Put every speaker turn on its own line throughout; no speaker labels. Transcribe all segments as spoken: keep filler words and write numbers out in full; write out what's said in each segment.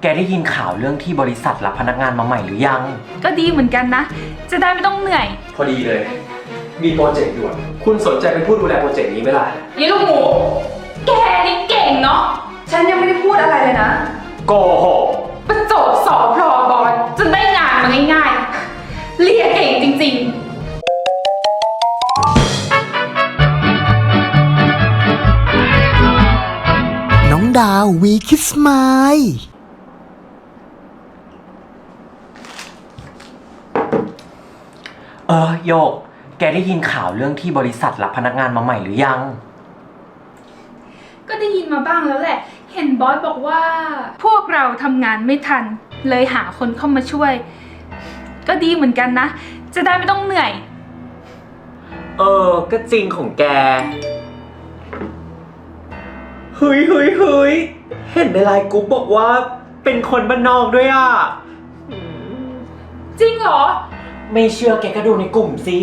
ได้ยินข่าวเรื่องที่บริษัทรับพนักงานมาใหม่หรือยัง
ก็ดีเหมือนกันนะจะได้ไม่ต้องเหนื่อย
พอดีเลยมีโปรเจกต์ด่วนคุณสนใจเป็นผู้ดูแลโปรเจกต์นี้ไหมล่ะ
ยี่ลูกหมูแกนี่เก่งเนาะ
ฉันยังไม่ได้พูดอะไรเลยนะ
โกหก
ประจบสอบพลอบอลจนได้งานมาง่ายๆเรียนเก่งจริงๆ
น้องดาววีคิสมาย
เออโยกแกได้ยินข่าวเรื่องที่บริษัทรับพนักงานมาใหม่หรือยัง
ก็ได้ยินมาบ้างแล้วแหละเห็นบอสบอกว่าพวกเราทำงานไม่ทันเลยหาคนเข้ามาช่วยก็ดีเหมือนกันนะจะได้ไม่ต้องเหนื่อย
เออก็จริงของแกเฮ้ยเฮ้ยเฮ้ยเห็นในไลน์กรุ๊ปบอกว่าเป็นคนบ้านนอกด้วยอ่ะ
จริงเหรอ
ไม่เชื่อแกก็ดูในกลุ่มสิ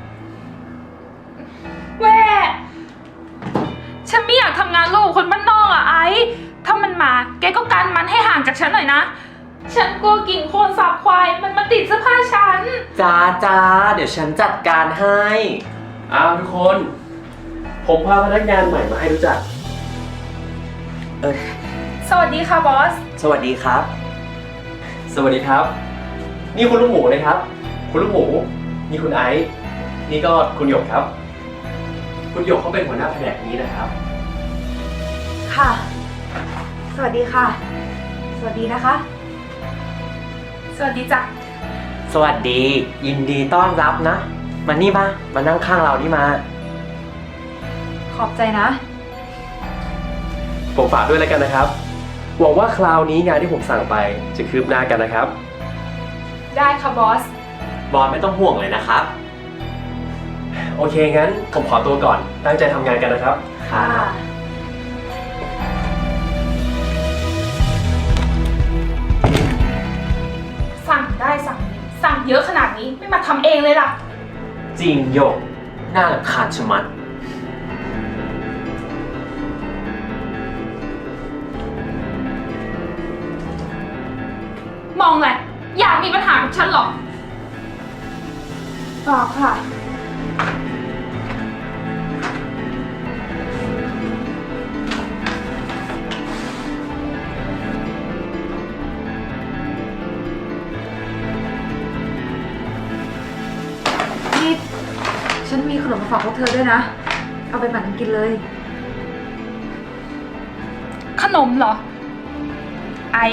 แว่ฉันไม่อยากทำงานร่วมกับคนบ้านนอกอ่ะไอ้ถ้ามันมาแกก็กันมันให้ห่างจากฉันหน่อยนะฉันกลัวกลิ่นโคลนสาบควายมันมาติดเสื้อผ้าฉัน
จ้าจ้าเดี๋ยวฉันจัดการให้
อ้าวทุกคนผมพาพนักงานใหม่มาให้รู้จัก
เออ
สวัสดีค่ะบอส
สวัสดีครับ
สวัสดีครับนี่คุณลูกหมูนะครับคุณลูกหมูนี่คุณไอซ์นี่ก็คุณหยกครับคุณหยกเขาเป็นหัวหน้าแผนกนี้นะครับ
ค่ะสวัสดีค่ะสวัสดีนะคะ
สวัสดีจ้ะ
สวัสดียินดีต้อนรับนะมานี่มามานั่งข้างเรานี่มา
ขอบใจนะ
ผมฝากด้วยแล้วกันนะครับหวังว่าคราวนี้งานที่ผมสั่งไปจะคืบหน้ากันนะครับ
ได้ค่ะบอส
บอสไม่ต้องห่วงเลยนะครับ
โอเคงั้นผมขอตัวก่อนตั้งใจทำงานกันนะครับ
ค่ะ
สั่งได้สั่งสั่งเยอะขนาดนี้ไม่มาทำเองเลยล่ะ
จริงโยกน่ารำคาญชะมัด
มองไงอยากมีปัญหากับฉันหรอเปล่าค่ะ
นี่ฉันมีขนมมาฝากพวกเธอด้วยนะเอาไปปั่นกินเลย
ขนมเหรอไอ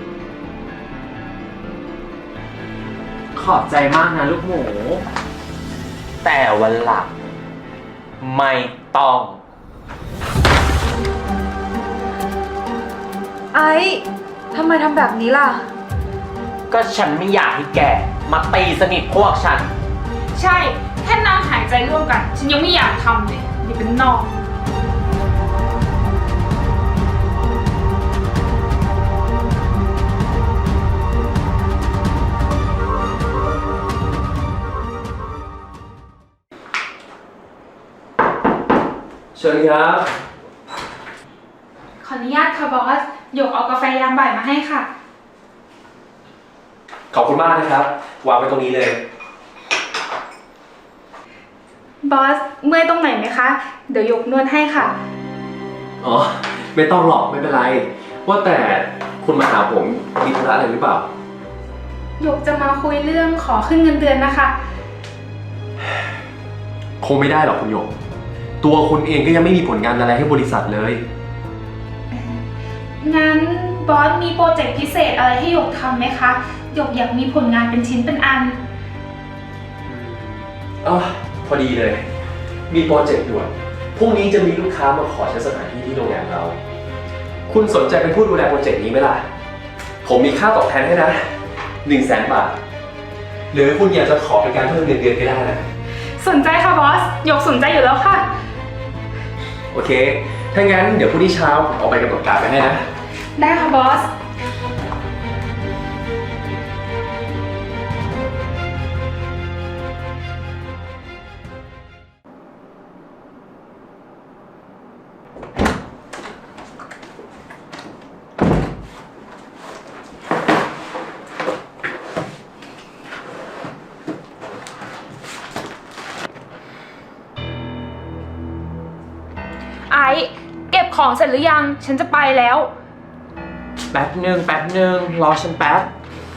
ขอบใจมากนะลูกหมูแต่วันหลังไม่ต้อง
ไอ้ทำไมทำแบบนี้ล่ะ
ก็ฉันไม่อยากให้แกมาตีสนิทพวกฉัน
ใช่แค่นั่งหายใจร่วมกันฉันยังไม่อยากทำเลยนี่เป็นนอก
เชิญครับ
ขออนุญาตค่ะบอสหยกเอากาแฟยามบ่ายมาให้ค่ะ
ขอบคุณมากนะครับวางไว้ตรงนี้เลย
บอสเมื่อยตรงไหนไหมคะเดี๋ยวหยกนวดให้ค่ะ
อ๋อไม่ต้องหรอกไม่เป็นไรว่าแต่คุณมาหาผมมีธุระอะไรหรือเปล่า
หยกจะมาคุยเรื่องขอขึ้นเงินเดือนนะคะ
คงไม่ได้หรอกคุณหยกตัวคุณเองก็ยังไม่มีผลงานอะไรให้บริษัทเลย
งั้นบอสมีโปรเจกต์พิเศษอะไรให้หยกทำไหมคะหยกอยากมีผลงานเป็นชิ้นเป็นอัน
อ๋อพอดีเลยมีโปรเจกต์ด่วนพรุ่งนี้จะมีลูกค้ามาขอใช้สถานที่ที่โรงแรมเราคุณสนใจเป็นผู้ดูแลโปรเจกต์นี้ไหมล่ะผมมีค่าตอบแทนให้นะหนึ่งแสนบาทหรือคุณอยากจะขอเป็นการเพิ่มเงินเดือนก็ได้นะ
สนใจค่ะบอสหยกสนใจอยู่แล้วค่ะ
โอเคถ้างั้นเดี๋ยวพรุ่งนี้เช้าผมเอาไปกำหนดการไปให้นะ
ได้ค่ะบอส
ค
ของเสร็จหรือยัง ฉันจะไปแล้ว
แป๊บหนึ่งแป๊บหนึ่งรอฉันแป๊บ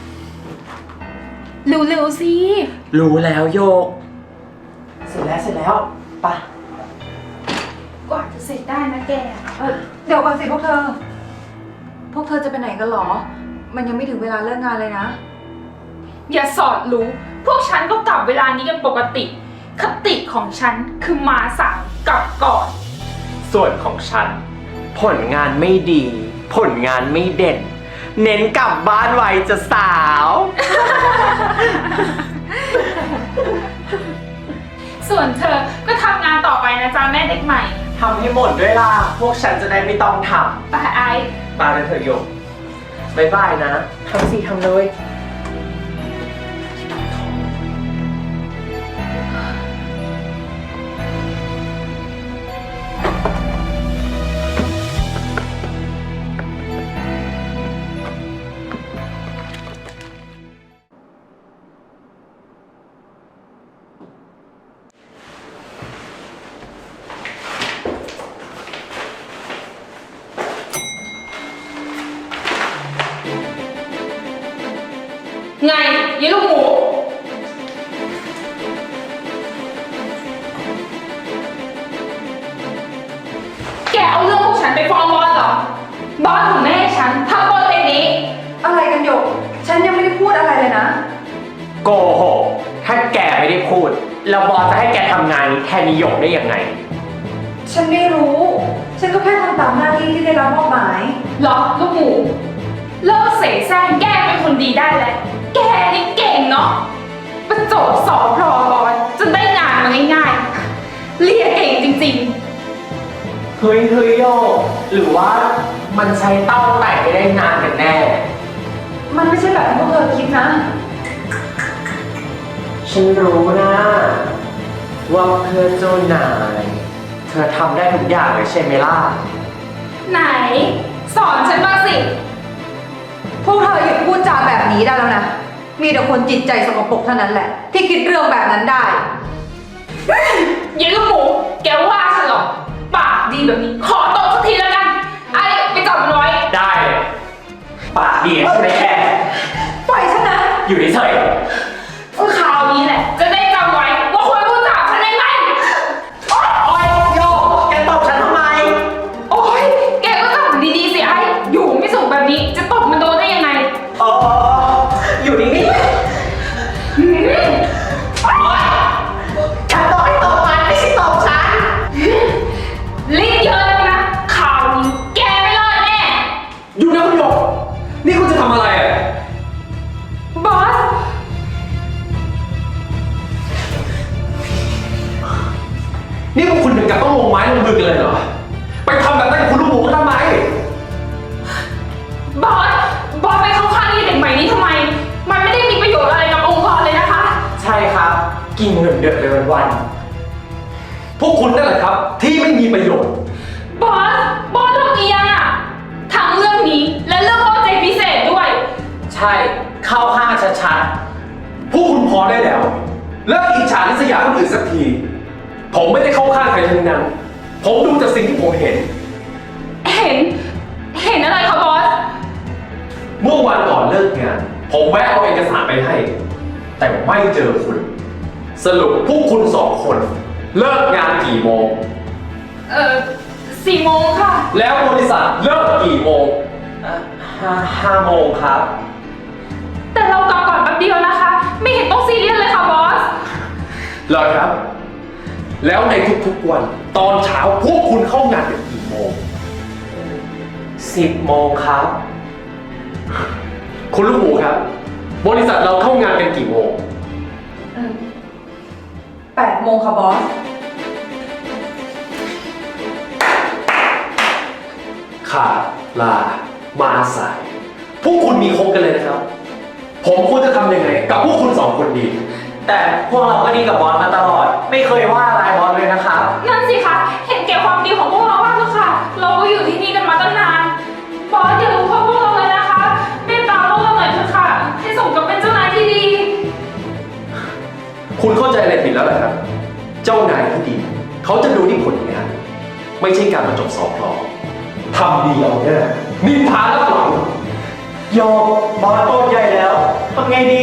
เร็วๆสิ
รู้แล้วโยก เสร็จแล้วเสร็จแล้วไปะ
กว่าจะเสร็จได้นะแก
เออเดี๋ยวก่อนสิพวกเธอ พวกเธอจะไปไหนกันหรอ มันยังไม่ถึงเวลาเลิกงานเลยนะ
อย่าสอดรู้ พวกฉันก็กลับเวลานี้กันปกติ คติของฉันคือมาสายกลับก่อน
ส่วนของฉัน ผลงานไม่ดี ผลงานไม่เด่น เน้นกลับบ้านไวจะสาว
ส่วนเธอก็ทำงานต่อไปนะจ๊ะแม่เด็กใหม่
ทำให้หมดด้วยล่ะ พวกฉันจะได้ไม่ต้องท
ไปไอซ์
ำมาเลยเถอะโยกบายบายนะทำสิทำเลย
ไงยีลูกหมู แกเอาเรื่องพวกฉันไปฟ้องบอสเหรอ บอสของแม่ฉันทำโปรเจกต์นี้
อะไรกันหยก ฉันยังไม่ได้พูดอะไรเลยนะ
โกหก ถ้าแกไม่ได้พูด แล้วบอสจะให้แกทำงานนี้แทนนิยมได้ยังไง
ฉันไม่รู้ ฉันก็แค่ทำตามหน้าที่ที่ได้รับมอบหมาย
เหรอลูกหมู เลิกเสแสร้งแกเป็นคนดีได้แล้ว แกนี่เก่งเนาะประจบสอบพอบอสจนได้งานมาง่ายๆ เรียนเก่งจริงๆ
เฮ้ยเฮ้ยโยก หรือว่ามันใช้เต้าแต่งไม่ได้นานกันแน่
มันไม่ใช่แบบที่พวกเธอคิดนะ
ฉันรู้นะว่าเพื่อเจ้านาย เธอทำได้ทุกอย่างเลยใช่ไหมล่ะ
ไหน สอนฉันบ้างสิ
พวกเธอหยุดพูดจาแบบนี้ได้แล้วนะ มีแต่คนจิตใจสกปรกเท่านั้นแหละ ที่คิดเรื่องแบบนั้นได้
ยายลูกหมู แกว่าฉันเหรอ ปากดีแบบนี้ ขอตบสักทีแล้วกัน ไอ้ไปจับมันไว้
ได้เลยปากดีใช่ไหมแก
ปล่อยฉันนะ
อยู่เฉย
คราวนี้แหละ จะได้จำไว้ว่าควรพูดจาฉันได้ไหมโอ๊ย
ๆโอ๊ยโยก แกตบฉันทำไม
โอ๊ย แกก็จับมันดีๆสิไอ้ อยู่ไม่สุขแบบนี้ จะตบมันโดนได้ยังไง
เอออยู่นิ่ง
หืมโอ๊ย
ๆฉันต้องให้ตบมันไม่ใช่ตบฉัน
ลิ้นเยอะแล้วนะ ข่าวนี้แกไม่รอดแน่
อยู่นะคุณหยก นี่คุณจะทำอะไรอ่ะ
บอส
นี่พวกคุณถึงกับต้องลงไม้ลงมือกันเลยเหรอ ไปทำแบบนั้นกับคุณลูกหมูก็ทำไม
บอส บอสไปเข้าข้างไอ้เด็กใหม่นี้ทำไม มันไม่ได้มีประโยชน์อะไรกับองค์กรเลยนะคะ
ใช่ครับ กินเงินเดือนไปวัน
พวกคุณนั่นแหละครับ ที่ไม่มีประโยชน์
บอส บอสทำเอียงอะทั้งเรื่องนี้และเรื่องโปรเจกต์พิเศษด้วย
ๆ ใช่ เข้าข้างชัด
พวกคุณพอได้แล้ว เลิกอิจฉาริษยาคนอื่นสักที ผมไม่ได้เข้าข้างใครทั้งนั้น ผมดูจากสิ่งที่ผมเห็น
เห็น เห็นอะไรคะบอส
เมื่อวันก่อนเลิกงาน ผมแวะเอาเอกสารไปให้ แต่ไม่เจอคุณ สรุปพวกคุณสองคน เลิกงานกี่โมง
เอ่อสี่โมงค่ะ
แล้วบริษัทเลิกกี่โมง
ๆอ่ะห้าห้าโมงครับ
แต่เรากลับก่อนแป๊บเดียวนะคะ ไม่เห็นต้องซีเรียสเลยค่ะบอส
เหรอครับ แล้วในทุกๆวัน ตอนเช้าพวกคุณเข้างานกันกี่โมง
สิบโมงครับ
คุณลูกหมูครับ บริษัทเราเข้างานกันกี่โมง
แปดโมงค่ะบอส
ขาดลา มาสาย พวกคุณมีครบกันเลยนะครับ ผมควรจะทำยังไง กับพวกคุณสองคนดี
แต่พวกเราก็ดีกับบอสมาตลอด ไม่เคยว่าอะไรบอสเลยนะครับ
นั่นสิคะ เห็นแก่ความดีของพวกเราบ้างเถอะค่ะ เราก็อยู่ที่นี่กันมาตั้งนาน บอสอย่ารู้พวกเราเลยนะคะเมตตาพวกเราหน่อยเถอะค่ะ ให้สมกับเป็นเจ้านายที่ดี
คุณเข้าใจอะไรผิดแล้วเหรอครับ เจ้านายที่ดี เขาจะดูที่ผลงาน ไม่ใช่การมาจบสอบพลอทำดีเอาเนี่ยนินทารับหลัง
โยกบอสโตใหญ่แล้วทำไงดี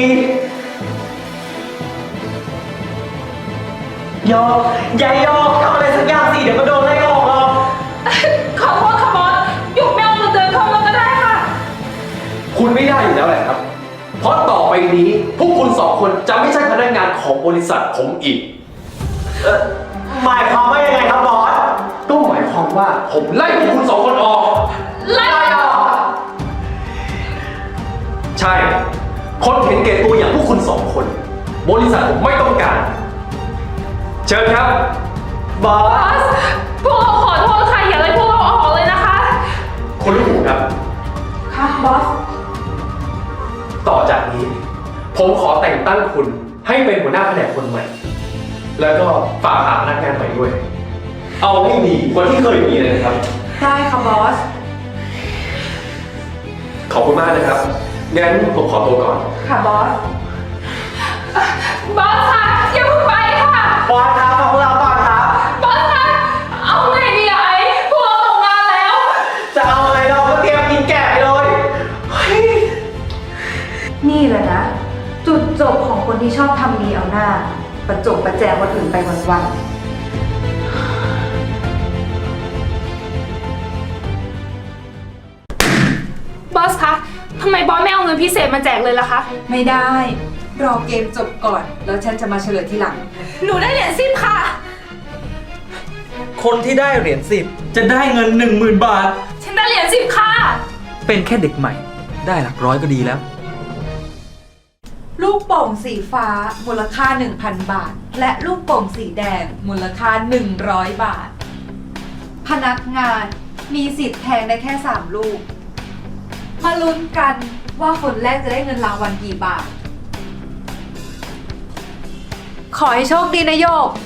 โยกยายโยกทำอะไรสักอย่างสิเดี๋ยวก็โดนไล่ออกหรอก
ขอโทษค่ะบอสหยกไม่เอาเงินเดือนเข้ามาก็ได้ค่ะ
คุณไม่ได้อยู่แล้วแหละครับ เพราะต่อไปนี้พวกคุณสองคนจะไม่ใช่พนักงานของบริษัทผมอีก
เอ่อหมายความว่ายังไงครับบอส
ก็หมายความว่าผมไล่พวกคุณสองคนออก
ไล่ออก
ใช่ คนเห็นแก่ตัวอย่างพวกคุณสองคน บริษัทผมไม่ต้องการ เชิญครับ
บอบ
อ
ส
ส พวกเราขอโทษค่ะ อย่าไล่พวกเราออกเลยนะคะ
คุณลูกหมูครับ
ค่ะบอส
ต่อจากนี้ ผมขอแต่งตั้งคุณให้เป็นหัวหน้าแผนกคนใหม่ แล้วก็ฝากหาพนักงานใหม่ด้วย เอาให้ดีกว่าที่เคยมีเลยนะครับ
ได้ค่ะบอส
ขอบคุณมากนะครับ งั้นผมขอตัวก่อน
ค่ะบอส
บอสค่ะอย่าเพิ่งไปค่ะ
บอสครับฟังพวกเราก่อนครับ
บอสคะเอาไงดีอะไอ้พวกเราตกงานแล้ว
จะเอาอะไรเราก็เตรียมกินแกะไปเลยเฮ้ย
นี่แหละนะ จุดจบของคนที่ชอบทำมีเอาหน้า ประจบประแจงคนอื่นไปวันๆ
บอสคะทำไมบอสไม่เอาเงินพิเศษมาแจกเลยล่ะคะ
ไม่ได้ รอเกมจบก่อน แล้วฉันจะมาเฉลยทีหลัง
หนูได้เหรียญสิบค่ะ
คนที่ได้เหรียญสิบจะได้เงินหนึ่งหมื่นบาท
ฉันได้เหรียญสิบค่ะ
เป็นแค่เด็กใหม่ ได้หลักร้อยก็ดีแล้ว
ลูกโป่งสีฟ้ามูลค่า หนึ่งพัน บาท และลูกโป่งสีแดงมูลค่า หนึ่งร้อย บาท พนักงานมีสิทธิ์แทงได้แค่ สาม ลูก มาลุ้นกันว่าคนแรกจะได้เงินรางวัลกี่บาท ขอให้โชคดีนะโยก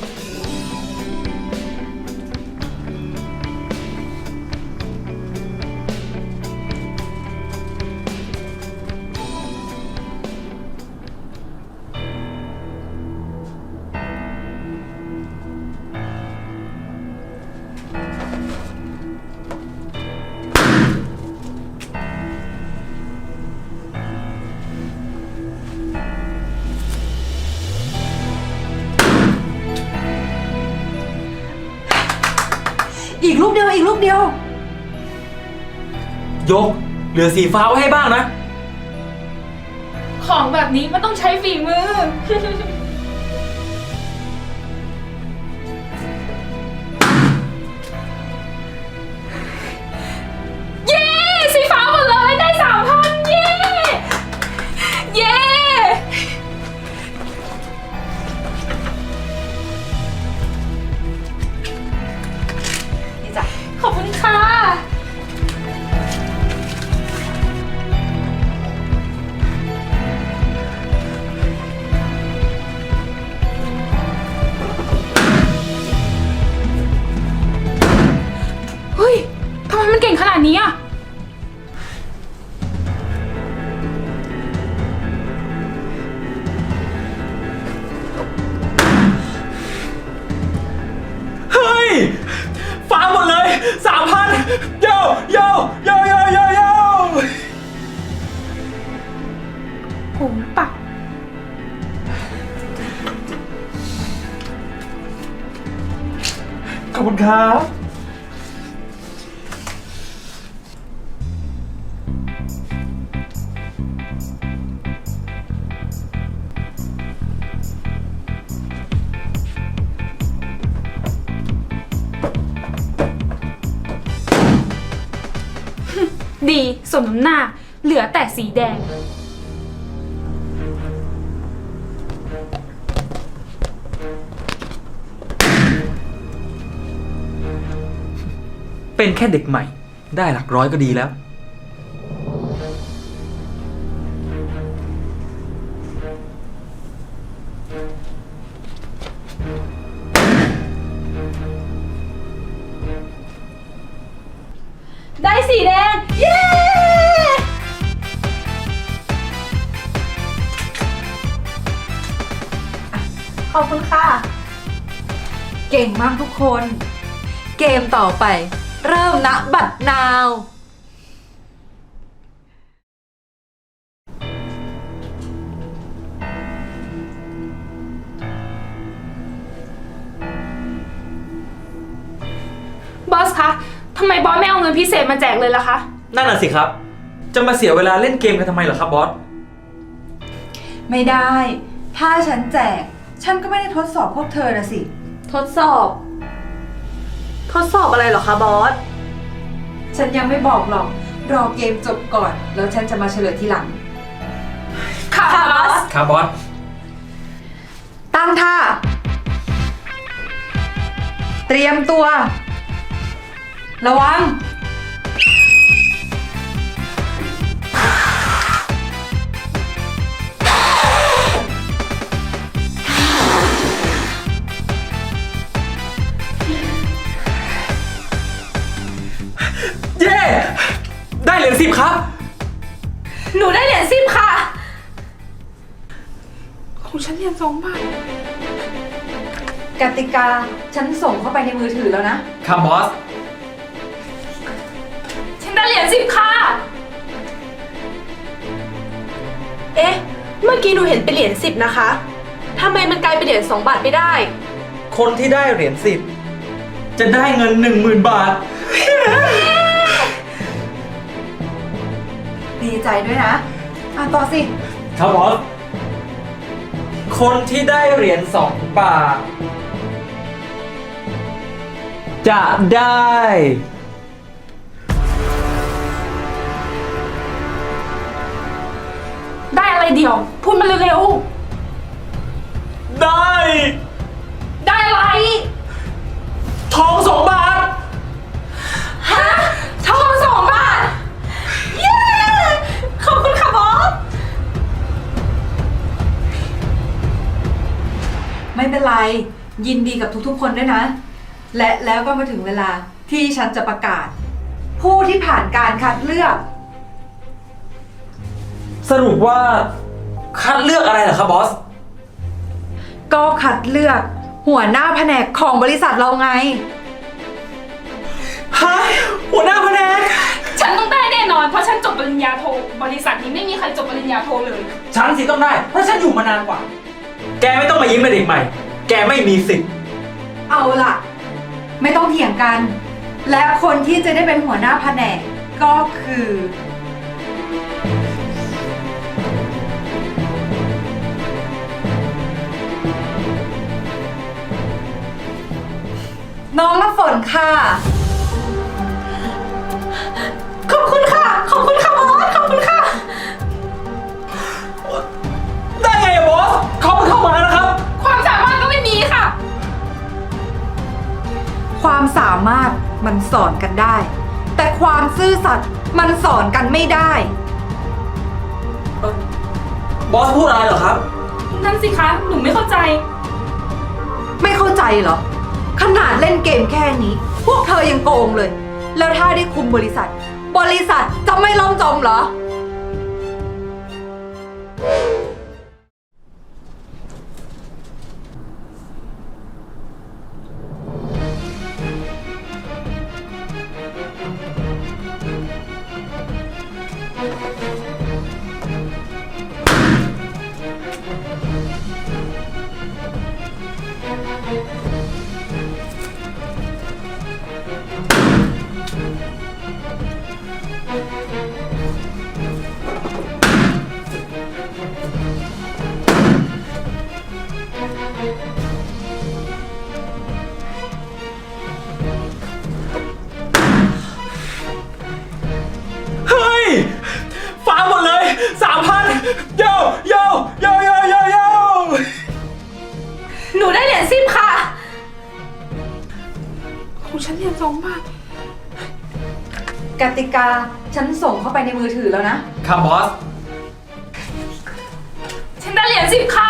อีกลูกเดียว อีกลูกเดียว
ยก เหลือสีฟ้าไว้ให้บ้างนะ
ของแบบนี้มันต้องใช้ฝีมือ เย้ สีฟ้าหมดเลยได้สามพันเย้ เย้
นี่จ้ะ
ขอบคุณค่ะ เฮ้ย ทำไมมันเก่งขนาดนี้อ่ะ
เฮ้ย ฟ้าหมดเลยสามพันโยโยโยโยโยโย
ผมปัก
ขอบคุณครับ
ดีสมน้ำหน้า เหลือแต่สีแดง
เป็นแค่เด็กใหม่ ได้หลักร้อยก็ดีแล้ว
ได้สีแดง เย้ ขอบคุณค่ะ
เก่งมากทุกคน เกมต่อไปเริ่มณบัดนาว
บอสคะทำไมบอสไม่เอาเงินพิเศษมาแจกเลยล่ะคะ
นั่นน่ะสิครับ จะมาเสียเวลาเล่นเกมกันทำไมเหรอครับบอส
ไม่ได้ ถ้าฉันแจก ฉันก็ไม่ได้ทดสอบพวกเธอนะสิ
ทดสอบ ทดสอบอะไรเหรอคะบอส
ฉันยังไม่บอกหรอก รอเกมจบก่อน แล้วฉันจะมาเฉลยทีหลัง
ค่ะบอส
ครับบอส
ตั้งท่า เตรียมตัว ระวัง
เย้ ได้เหรียญสิบครับ
หนูได้เหรียญสิบค่ะ ของฉันเหรียญสองบาท
กติกา ฉันส่งเข้าไปในมือถือแล้วนะ
ครับบอส
ฉันได้เหรียญสิบค่ะ
เอ๊ะ เมื่อกี้หนูเห็นเป็นเหรียญสิบนะคะทำไมมันกลายเป็นเหรียญสองบาทไม่ได้
คนที่ได้เหรียญสิบจะได้เงินหนึ่งหมื่นบาท
ดีใจด้วยนะ อ่ะต่อสิ
ครับบอส คนที่ได้เหรียญสองบาท จะได้
ได้อะไรเดียว พูดมาเร็ว
ได้
ๆ ได้อะไร
ทองสองบาท
ฮะทองสองบาท เย้ ขอบคุณค่ะบอส
ไม่เป็นไร ยินดีกับทุกๆคนด้วยนะ และแล้วก็มาถึงเวลาที่ฉันจะประกาศ ผู้ที่ผ่านการคัดเลือก
สรุปว่า คัดเลือกอะไรเหรอครับบอส
ก็คัดเลือกหัวหน้าแผนกของบริษัทเราไง
ฮะ หัวหน้าแผนก
ฉันต้องได้แน่นอน เพราะฉันจบปริญญาโท บริษัทนี้ไม่มีใครจบปริญญาโทเลย
ฉันสิต้องได้ เพราะฉันอยู่มานานกว่า แกไม่ต้องมายิ้มเป็นเด็กใหม่ แกไม่มีสิทธิ์
เอาล่ะ ไม่ต้องเถียงกัน และคนที่จะได้เป็นหัวหน้าแผนกก็คือ น้องน้ำฝนค่ะ
ขอบคุณค่ะ ขอบคุณค่ะบอส ขอบคุณค่ะ
ได้ไงอะบอส เขาเพิ่งเข้ามานะครับ
ความสามารถก็ไม่มีค่ะ
ความสามารถมันสอนกันได้ แต่ความซื่อสัตย์มันสอนกันไม่ได้
บอสพูดอะไรเหรอครับ
นั่นสิคะ หนูไม่เข้าใจ
ไม่เข้าใจเหรอ ขนาดเล่นเกมแค่นี้ พวกเธอยังโกงเลย แล้วถ้าได้คุมบริษัท บริษัทจะไม่ล่มจมเหรอ
เฮ้ยฟ้าหมดเลยสามพันโยโยโยโยโยโย
หนูได้เหรียญสิบค่ะ ของฉันเหรียญสองบาท
กติกาฉันส่งเข้าไปในมือถือแล้วนะ
ครับบอส
ฉันได้เหรียญสิบค่ะ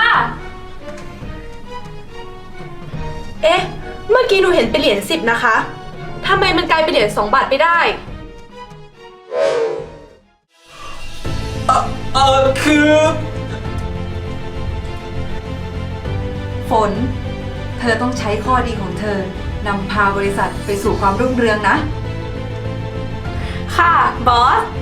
เอ๊ะ เมื่อกี้หนูเห็นเป็นเหรียญสิบนะคะทำไมมันกลายเป็นเหรียญสองบาทไม่ได้
เออเออคือ
ฝน เธอต้องใช้ข้อดีของเธอนำพาบริษัทไปสู่ความรุ่งเรืองนะ
ค่ะ บอส